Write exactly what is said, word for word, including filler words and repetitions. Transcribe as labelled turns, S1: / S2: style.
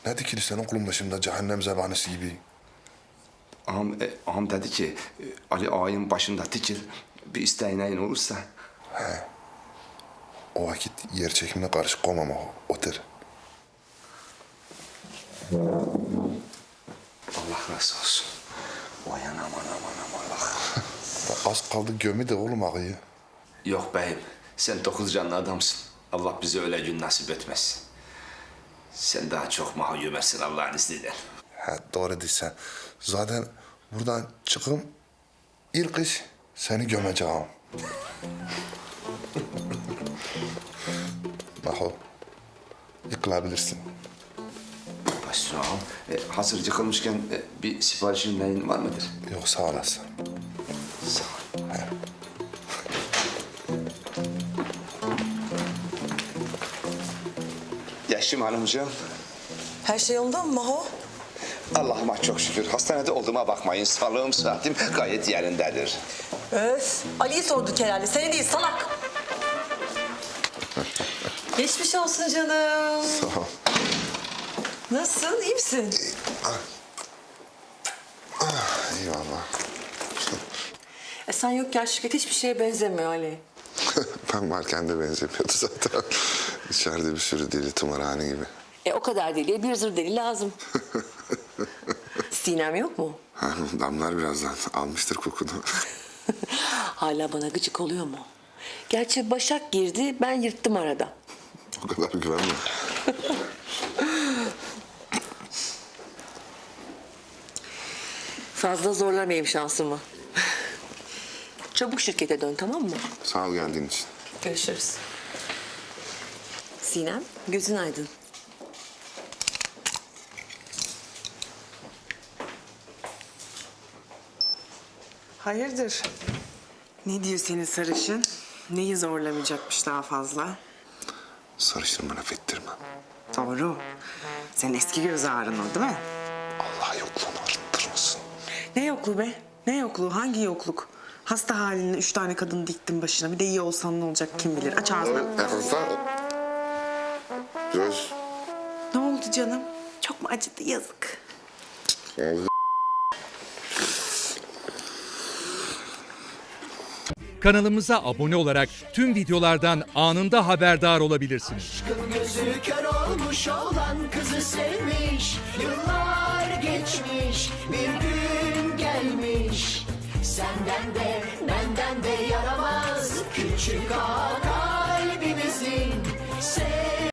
S1: Ne dikili sen okulun başında cehennem zebanisi gibi?
S2: Ağam, e, ağam dedi ki e, Ali ağayın başında dikil, bir isteğin olursa.
S1: O vakit yer çekimine karışık olmama o. Otur.
S2: Allah razı olsun. Vay anam anam anam Allah.
S1: Az kaldı gömü de oğlum ağayı.
S2: Yok beyim, sen dokuz canlı adamsın. Allah bize öyle gün nasip etmez. Sen daha çok mahcumetsin Allah'ın izniyle.
S1: He doğru değilsen. Zaten buradan çıkım ilk iş seni gömeceğim. Maho, yıkılabilirsin.
S2: Başüstüne ağam. E, hazır yıkılmışken e, bir siparişin neyin var mıdır?
S1: Yok sağ olasın.
S2: Sağ ol. Yaşım hanımcığım.
S3: Her şey yolunda mı Maho?
S2: Allah'ıma çok şükür. Hastanede olduğuma bakmayın. Sağlığım, sıhhatim gayet yerindedir.
S3: Öf. Ali'yi sorduk herhalde. Seni değil salak. Geçmiş olsun canım.
S1: Sağ ol.
S3: Nasılsın? İyi misin?
S1: Eyvallah.
S3: E sen yokken şirket hiçbir şeye benzemiyor Ali.
S1: Ben varken de benzemiyordu zaten. İçeride bir sürü deli tımarhane gibi.
S3: E o kadar deliye bir zır deli lazım. Sinem yok mu?
S1: Ha, damlar birazdan almıştır kokunu.
S3: Hala bana gıcık oluyor mu? Gerçi Başak girdi, ben yırttım arada.
S1: O kadar güvenme.
S3: Fazla zorlamayayım şansımı. Çabuk şirkete dön, tamam mı?
S1: Sağ ol geldiğin için.
S3: Görüşürüz. Sinem, gözün aydın.
S4: Hayırdır? Ne diyor senin sarışın? Neyi zorlamayacakmış daha fazla?
S1: Sarışın bana fettirme.
S4: Doğru. Senin eski göz ağrın o değil mi?
S1: Allah yokluğunu arttırmasın.
S4: Ne yokluğu be? Ne yokluğu? Hangi yokluk? Hasta haline üç tane kadın diktin başına. Bir de iyi olsan ne olacak kim bilir. Aç ağzını.
S1: Göz.
S4: Ne oldu canım? Çok mu acıdı? Yazık.
S5: Kanalımıza abone olarak tüm videolardan anında haberdar olabilirsiniz.
S6: Aşkın gözü kör olmuş olan kızı sevmiş. Yıllar geçmiş, bir gün gelmiş. Senden de benden de yaramaz küçük ağa kalbimizin.